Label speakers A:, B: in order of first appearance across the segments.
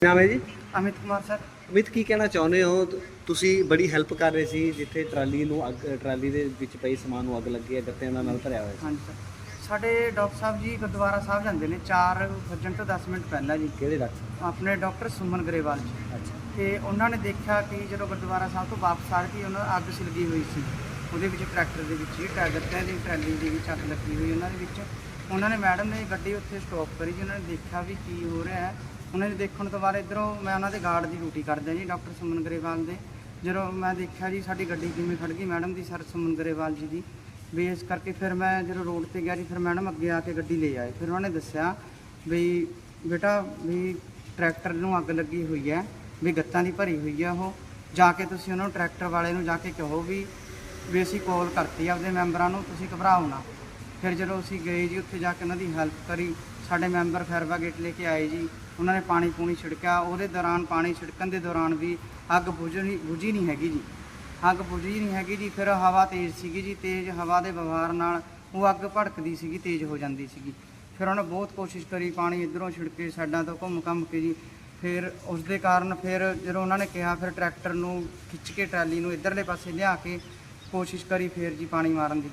A: ਨਾਮ ਹੈ ਜੀ?
B: अमित कुमार सर।
A: ਅਮਿਤ, ਕੀ ਕਹਿਣਾ ਚਾਹੁੰਦੇ ਹੋ? ਤੁਸੀਂ ਬੜੀ ਹੈਲਪ ਕਰ ਰਹੇ ਸੀ ਜਿੱਥੇ ਟਰਾਲੀ ਦੇ ਵਿੱਚ ਪਈ ਸਮਾਨ ਨੂੰ ਅੱਗ ਲੱਗੀ ਹੈ, ਗੱਤਿਆਂ ਦਾ ਨਾਲ ਭਰਿਆ ਹੋਇਆ
B: हाँ
A: ਸੀ।
B: जी सर। ਸਾਡੇ ਡਾਕਟਰ ਸਾਹਿਬ ਜੀ ਗੁਰਦੁਆਰਾ ਸਾਹਿਬ ਜਾਂਦੇ ਨੇ 4 ਵਜਣ ਤੋਂ 10 ਮਿੰਟ ਪਹਿਲਾਂ ਜੀ।
A: ਕਿਹੜੇ ਡਾਕਟਰ?
B: ਆਪਣੇ ਡਾਕਟਰ ਸੁਮਨ ਗਰੇਵਾਲ ਜੀ।
A: ਅੱਛਾ।
B: ਤੇ ਉਹਨਾਂ ਨੇ ਦੇਖਿਆ ਕਿ ਜਦੋਂ ਗੁਰਦੁਆਰਾ ਸਾਹਿਬ ਤੋਂ ਵਾਪਸ ਆ ਰਹੇ ਸੀ ਉਹਨਾਂ ਅੱਗ ਲੱਗੀ ਹੋਈ ਸੀ ਉਹਦੇ ਵਿੱਚ, ਟਰੈਕਟਰ ਦੇ ਵਿੱਚ ਹੀ ਗੱਤਿਆਂ ਦੀ ਟਰਾਲੀ ਦੇ ਵਿੱਚ ਅੱਗ ਲੱਗੀ ਹੋਈ ਉਹਨਾਂ ਦੇ ਵਿੱਚ। ਉਹਨਾਂ ਨੇ ਮੈਡਮ ਨੇ ਗੱਡੀ ਉੱਥੇ ਸਟਾਪ ਕਰੀ ਜੀ। ਉਹਨਾਂ ਨੇ ਦੇਖਿਆ ਵੀ ਕੀ ਹੋ ਰਿਹਾ ਹੈ। ਉਹਨਾਂ ਨੇ ਦੇਖਣ ਤੋਂ ਬਾਅਦ ਇੱਧਰੋਂ ਮੈਂ ਉਹਨਾਂ ਦੇ ਗਾਰਡ ਦੀ ਡਿਊਟੀ ਕਰਦਾ ਜੀ, ਡਾਕਟਰ ਸੁਮਨ ਗਰੇਵਾਲ ਦੇ। ਜਦੋਂ ਮੈਂ ਦੇਖਿਆ ਜੀ ਸਾਡੀ ਗੱਡੀ ਕਿਵੇਂ ਖੜ ਗਈ ਮੈਡਮ ਦੀ, ਸਰ ਸੁਮਨ ਗਰੇਵਾਲ ਜੀ ਦੀ, ਵੀ ਇਸ ਕਰਕੇ ਫਿਰ ਮੈਂ ਜਦੋਂ ਰੋਡ ਤੇ ਗਿਆ ਜੀ, ਫਿਰ ਮੈਡਮ ਅੱਗੇ ਆ ਕੇ ਗੱਡੀ ਲੈ ਆਏ। ਫਿਰ ਉਹਨਾਂ ਨੇ ਦੱਸਿਆ ਵੀ ਬੇਟਾ ਵੀ ਟਰੈਕਟਰ ਨੂੰ ਅੱਗ ਲੱਗੀ ਹੋਈ ਹੈ, ਵੀ ਗੱਤਾਂ ਦੀ ਭਰੀ ਹੋਈ ਹੈ ਉਹ, ਜਾ ਕੇ ਤੁਸੀਂ ਉਹਨਾਂ ਨੂੰ ਟਰੈਕਟਰ ਵਾਲੇ ਨੂੰ ਜਾ ਕੇ ਕਹੋ ਵੀ ਅਸੀਂ ਕਾਲ ਕਰਤੀ ਆਪਦੇ ਮੈਂਬਰਾਂ ਨੂੰ, ਤੁਸੀਂ ਘਬਰਾਓ ਨਾ। ਫਿਰ ਜਦੋਂ ਅਸੀਂ ਗਏ ਜੀ ਉੱਥੇ ਜਾ ਕੇ ਉਹਨਾਂ ਦੀ ਹੈਲਪ ਕਰੀ, ਸਾਡੇ ਮੈਂਬਰ ਫਾਇਰ ਬ੍ਰਿਗੇਡ ਲੈ ਕੇ ਆਏ ਜੀ। ਉਹਨਾਂ ਨੇ ਪਾਣੀ ਪੂਣੀ ਛਿੜਕਿਆ। ਉਹਦੇ ਦੌਰਾਨ ਪਾਣੀ ਛਿੜਕਣ ਦੇ ਦੌਰਾਨ ਵੀ ਅੱਗ ਬੁਝੀ ਨਹੀਂ ਹੈਗੀ ਜੀ, ਅੱਗ ਬੁਝੀ ਨਹੀਂ ਹੈਗੀ ਜੀ। ਫਿਰ ਹਵਾ ਤੇਜ਼ ਸੀਗੀ ਜੀ, ਤੇਜ਼ ਹਵਾ ਦੇ ਵਹਾਰ ਨਾਲ ਉਹ ਅੱਗ ਭੜਕਦੀ ਸੀਗੀ, ਤੇਜ਼ ਹੋ ਜਾਂਦੀ ਸੀਗੀ। ਫਿਰ ਉਹਨੇ ਬਹੁਤ ਕੋਸ਼ਿਸ਼ ਕਰੀ, ਪਾਣੀ ਇੱਧਰੋਂ ਛਿੜਕੇ ਸਾਈਡਾਂ ਤੋਂ ਘੁੰਮ ਕੇ ਜੀ। ਫਿਰ ਉਸ ਦੇ ਕਾਰਨ ਫਿਰ ਜਦੋਂ ਉਹਨਾਂ ਨੇ ਕਿਹਾ, ਫਿਰ ਟਰੈਕਟਰ ਨੂੰ ਖਿੱਚ ਕੇ ਟਰਾਲੀ ਨੂੰ ਇੱਧਰਲੇ ਪਾਸੇ ਲਿਆ ਕੇ ਕੋਸ਼ਿਸ਼ ਕਰੀ ਫਿਰ ਜੀ ਪਾਣੀ ਮਾਰਨ ਦੀ।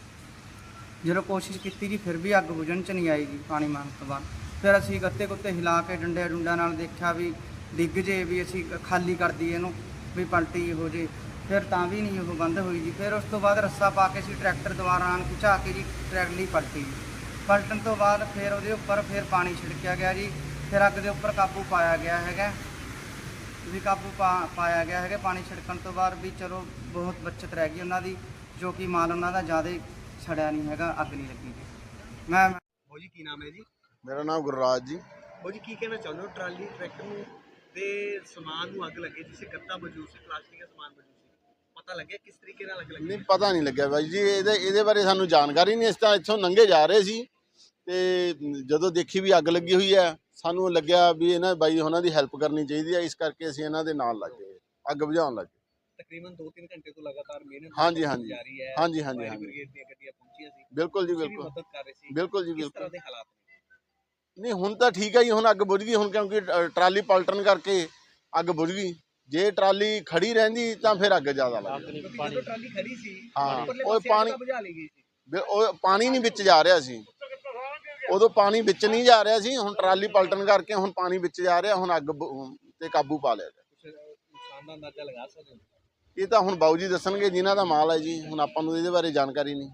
B: ਜਦੋਂ ਕੋਸ਼ਿਸ਼ ਕੀਤੀ ਜੀ ਫਿਰ ਵੀ ਅੱਗ ਬੁਝਣ 'ਚ ਨਹੀਂ ਆਈ ਜੀ ਪਾਣੀ ਮਾਰਨ ਤੋਂ ਬਾਅਦ। ਫਿਰ ਅਸੀਂ ਗੱਤੇ ਗੁੱਤੇ ਹਿਲਾ ਕੇ ਡੰਡਾ ਨਾਲ ਦੇਖਿਆ ਵੀ ਡਿੱਗ ਜੇ, ਵੀ ਅਸੀਂ ਖਾਲੀ ਕਰ ਦਈਏ ਇਹਨੂੰ, ਵੀ ਪਲਟੀ ਹੋ ਜੇ। ਫਿਰ ਤਾਂ ਵੀ ਨਹੀਂ ਉਹ ਬੰਦ ਹੋਈ ਜੀ। ਫਿਰ ਉਸ ਤੋਂ ਬਾਅਦ ਰੱਸਾ ਪਾ ਕੇ ਅਸੀਂ ਟਰੈਕਟਰ ਦੁਆਰਾ ਆਣ ਖਿਚਾ ਕੇ ਜੀ ਟਰੈਲੀ ਪਲਟੀ ਜੀ। ਪਲਟਣ ਤੋਂ ਬਾਅਦ ਫਿਰ ਉਹਦੇ ਉੱਪਰ ਫਿਰ ਪਾਣੀ ਛਿੜਕਿਆ ਗਿਆ ਜੀ। ਫਿਰ ਅੱਗ ਦੇ ਉੱਪਰ ਕਾਬੂ ਪਾਇਆ ਗਿਆ ਹੈਗਾ, ਵੀ ਕਾਬੂ ਪਾਇਆ ਗਿਆ ਹੈਗਾ ਪਾਣੀ ਛਿੜਕਣ ਤੋਂ ਬਾਅਦ। ਵੀ ਚਲੋ ਬਹੁਤ ਬੱਚਤ ਰਹਿ ਗਈ ਉਹਨਾਂ ਦੀ, ਜੋ ਕਿ ਮਾਲ ਉਹਨਾਂ ਦਾ ਜ਼ਿਆਦਾ ਸੜਿਆ ਨਹੀਂ ਹੈਗਾ, ਅੱਗ ਨਹੀਂ ਲੱਗੀ ਜੀ। ਮੈਂ
A: ਉਹ ਜੀ, ਕੀ ਨਾਮ ਹੈ ਜੀ?
C: ਮੇਰਾ ਨਾਮ ਗੁਰਰਾਜ ਜੀ।
A: ਉਹ ਜੀ, ਕੀ ਕਹਿਣਾ ਚਾਹੁੰਦੇ ਹੋ? ਟਰਾਲੀ ਟਰੈਕਟਰ ਨੂੰ ਦੇ ਸਮਾਨ ਨੂੰ ਅੱਗ ਲੱਗੀ, ਜਿਸੇ ਗੱਤਾ ਮੌਜੂਦ ਸੀ, ਪਲਾਸਟਿਕ ਦਾ ਸਮਾਨ ਮੌਜੂਦ ਸੀ, ਪਤਾ ਲੱਗਿਆ ਕਿਸ ਤਰੀਕੇ ਨਾਲ ਅੱਗ ਲੱਗੀ?
C: ਨਹੀਂ, ਪਤਾ ਨਹੀਂ ਲੱਗਿਆ ਬਾਈ ਜੀ, ਇਹਦੇ ਬਾਰੇ ਸਾਨੂੰ ਜਾਣਕਾਰੀ ਨਹੀਂ। ਇਸ ਤਾਂ ਇੱਥੋਂ ਲੰਘੇ ਜਾ ਰਹੇ ਸੀ ਤੇ ਜਦੋਂ ਦੇਖੀ ਵੀ ਅੱਗ ਲੱਗੀ ਹੋਈ ਹੈ, ਸਾਨੂੰ ਲੱਗਿਆ ਵੀ ਇਹਨਾਂ ਬਾਈ ਉਹਨਾਂ ਦੀ ਹੈਲਪ ਕਰਨੀ ਚਾਹੀਦੀ ਹੈ। ਇਸ ਕਰਕੇ ਅਸੀਂ ਇਹਨਾਂ ਦੇ ਨਾਲ ਲੱਗ ਗਏ, ਅੱਗ ਬੁਝਾਉਣ ਲੱਗ ਗਏ।
A: ਤਕਰੀਬਨ 2-3 ਘੰਟੇ ਤੋਂ ਲਗਾਤਾਰ ਮਿਹਨਤ
C: ਹਾਂਜੀ
A: ਜਾਰੀ ਹੈ।
C: ਹਾਂਜੀ।
A: ਫਾਇਰ ਬ੍ਰਿਗੇਡ ਦੀਆਂ ਗੱਡੀਆਂ ਪਹੁੰਚੀਆਂ ਸੀ,
C: ਬਿਲਕੁਲ ਜੀ,
A: ਤੁਸੀਂ ਵੀ
C: ਬਿਲਕੁਲ
A: ਮਦਦ ਕਰ ਰਹੇ ਸੀ।
C: ਬਿਲਕੁਲ ਜੀ,
A: ਕਿਸ ਤਰ੍ਹਾਂ
C: ਬਿਲਕੁਲ।
A: ਦੇ ਹਾਲਾਤ ਨੇ?
C: ਨਹੀਂ, ਹੁਣ ਤਾਂ ਠੀਕ ਹੈ ਜੀ, ਹੁਣ ਅੱਗ ਬੁਝ ਗਈ। ਹੁਣ ਕਿਉਂਕਿ ਟਰਾਲੀ ਪਲਟਣ ਕਰਕੇ ਅੱਗ ਬੁਝ ਗਈ। ਜੇ ਟਰਾਲੀ ਖੜੀ ਰਹਿੰਦੀ ਤਾਂ ਫਿਰ ਅੱਗ ਜ਼ਿਆਦਾ ਲੱਗਦੀ।
A: ਜਦੋਂ ਟਰਾਲੀ ਖੜੀ ਸੀ,
C: ਹਾਂ,
A: ਉੱਪਰਲੇ
C: ਉਹ
A: ਪਾਸੇ
C: ਪਾਣੀ
A: ਅੱਗ ਬੁਝਾ ਲਈ ਗਈ ਸੀ।
C: ਉਹ ਪਾਣੀ ਨਹੀਂ ਵਿੱਚ ਜਾ ਰਿਹਾ ਸੀ, ਉਦੋਂ ਪਾਣੀ ਵਿੱਚ ਨਹੀਂ ਜਾ ਰਿਹਾ ਸੀ। ਹੁਣ ਟਰਾਲੀ ਪਲਟਣ ਕਰਕੇ ਹੁਣ ਪਾਣੀ ਵਿੱਚ ਜਾ ਰਿਹਾ, ਹੁਣ ਅੱਗ ਤੇ ਕਾਬੂ ਪਾ ਲਿਆ।
A: ਕੁਛ ਨੁਕਸਾਨ ਦਾ ਅੰਦਾਜ਼ਾ ਲਗਾ ਸਕਦੇ ਹੋ?
C: ਇਹ ਤਾਂ ਹੁਣ ਬਾਊ ਜੀ ਦੱਸਣਗੇ, ਜਿਨ੍ਹਾਂ ਦਾ ਮਾਲ ਹੈ ਜੀ। ਹੁਣ ਆਪਾਂ ਨੂੰ ਇਹਦੇ ਬਾਰੇ ਜਾਣਕਾਰੀ ਨਹੀਂ।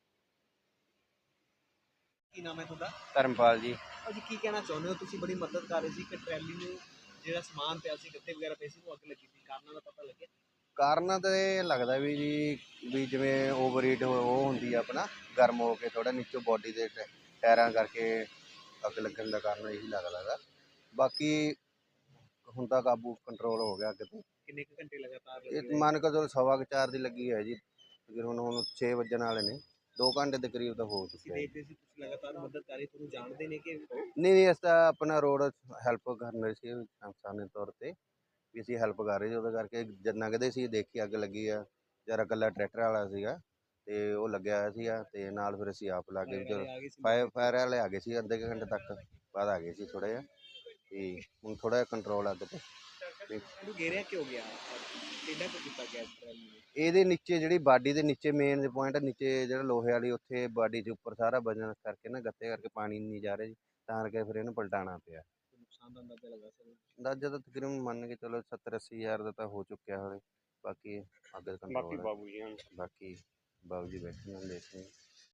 A: ਕੀ ਨਾਮ ਹੈ ਤੁਹਾਡਾ?
D: ਧਰਮਪਾਲ ਜੀ।
A: ਜੀ, ਕੀ ਕਹਿਣਾ ਚਾਹੁੰਦੇ ਹੋ? ਤੁਸੀਂ ਬੜੀ ਮਦਦ ਕਰ ਰਹੇ ਸੀ ਕਿ ਟਰਾਲੀ ਨੂੰ ਜਿਹੜਾ ਸਮਾਨ ਪਿਆ ਸੀ, ਗੱਤੇ ਵਗੈਰਾ ਪਏ ਸੀ, ਉਹ ਅੱਗ ਲੱਗੀ ਸੀ, ਕਾਰਨਾਂ ਦਾ ਪਤਾ ਲੱਗਿਆ?
D: ਕਾਰਨ ਤਾਂ ਇਹ ਲੱਗਦਾ ਵੀ ਜੀ, ਵੀ ਜਿਵੇਂ ਓਵਰ ਹੀਟ ਉਹ ਹੁੰਦੀ ਆ ਆਪਣਾ, ਗਰਮ ਹੋ ਕੇ ਥੋੜਾ ਨੀਚੋਂ ਬੋਡੀ ਦੇ ਟਾਇਰਾਂ ਕਰਕੇ ਅੱਗ ਲੱਗਣ ਦਾ ਕਾਰਨ ਇਹੀ ਲੱਗਦਾ ਗਾ। ਬਾਕੀ ਹੁਣ ਤਾਂ ਕਾਬੂ ਕੰਟਰੋਲ ਹੋ ਗਿਆ ਅੱਗ ਤੇ।
A: ਕਿੰਨੇ ਕੁ ਘੰਟੇ ਲਗਾਤਾਰ
D: ਇਹ ਮੰਨ ਕੇ ਚਲੋ 4:15 ਦੀ ਲੱਗੀ ਹੈ ਜੀ, ਤਕਰੀਬਨ ਹੁਣ 6 ਵੱਜਣ ਵਾਲੇ ਨੇ, 2 ਘੰਟੇ ਦੇ ਕਰੀਬ ਤਾਂ ਹੋ
A: ਤੁਸੀਂ
D: ਚੁੱਕਿਆ ਹੈ।
A: ਦੇਖਦੇ ਸੀ, ਤੁਸੀਂ ਲਗਾਤਾਰ ਮਦਦ ਕਰ ਰਹੇ, ਤੁਹਾਨੂੰ ਜਾਣਦੇ ਨੇ ਕਿ
D: ਨਹੀਂ, ਇਸ ਤਾਂ ਆਪਣਾ ਰੋਡ ਹੈਲਪ ਕਰਨ ਰਹੇ ਸੀ ਇਨਸਾਨੀ ਤੌਰ ਤੇ, ਵੀ ਅਸੀਂ ਹੈਲਪ ਕਰ ਰਹੇ ਸੀ। ਉਹਦੇ ਕਰਕੇ ਜਦ ਲੰਘਦੇ ਸੀ ਦੇਖੀ ਅੱਗ ਲੱਗੀ ਆ, ਜਰਾ ਇਕੱਲਾ ਟਰੈਕਟਰ ਵਾਲਾ ਸੀਗਾ ਤੇ ਉਹ ਲੱਗਿਆ ਹੋਇਆ ਸੀਗਾ, ਤੇ ਨਾਲ ਫਿਰ ਅਸੀਂ ਆਪ ਲੱਗ ਗਏ। ਚਲੋ
A: ਆ ਗਏ ਸੀ?
D: ਫਾਇਰ ਵਾਲੇ ਆ ਗਏ ਸੀ, ਅੱਧੇ ਕੁ ਘੰਟੇ ਤੱਕ ਬਾਅਦ ਆ ਗਏ ਸੀ ਥੋੜ੍ਹਾ ਜਿਹਾ, ਤੇ ਹੁਣ ਥੋੜ੍ਹਾ ਜਿਹਾ ਕੰਟਰੋਲ ਅੱਗ ਤੇ।
A: ਇਹਨੂੰ ਘੇਰਿਆ ਕਿਉਂ ਗਿਆ? ਕਿੰਨਾ ਕੁ ਕੀਤਾ ਗਿਆ ਟਰਾਲੀ ਨੂੰ?
D: ਇਹਦੇ ਨੀਚੇ ਜਿਹੜੀ ਬਾਡੀ ਦੇ ਨੀਚੇ ਮੇਨ ਪੁਆਇੰਟ ਨੀਚੇ ਜਿਹੜਾ ਲੋਹੇ ਵਾਲੀ, ਉੱਥੇ ਬਾਡੀ ਦੇ ਉੱਪਰ ਸਾਰਾ ਵਜਨ ਕਰਕੇ ਨਾ, ਗੱਤੇ ਕਰਕੇ ਪਾਣੀ ਨਹੀਂ ਜਾ ਰਿਹਾ ਜੀ, ਤਾਂ ਕਰਕੇ ਫਿਰ ਇਹਨੂੰ ਪਲਟਾਉਣਾ ਪਿਆ।
A: ਨੁਕਸਾਨ ਦਾ ਅੰਦਾਜ਼ਾ ਲਗਾ ਸਕਦੇ ਹੋ?
D: ਅੰਦਾਜ਼ਾ ਤਾਂ ਤਕਰੀਬਨ ਮੰਨ ਕੇ ਚਲੋ 70-80 ਹਜ਼ਾਰ ਦਾ ਤਾਂ ਹੋ ਚੁੱਕਿਆ ਹੋਵੇ। ਬਾਕੀ ਅੱਗ ਕੰਟਰੋਲ, ਬਾਕੀ ਬਾਬੂ ਜੀ ਬੈਠੇ ਨੇ ਦੇਖਦੇ।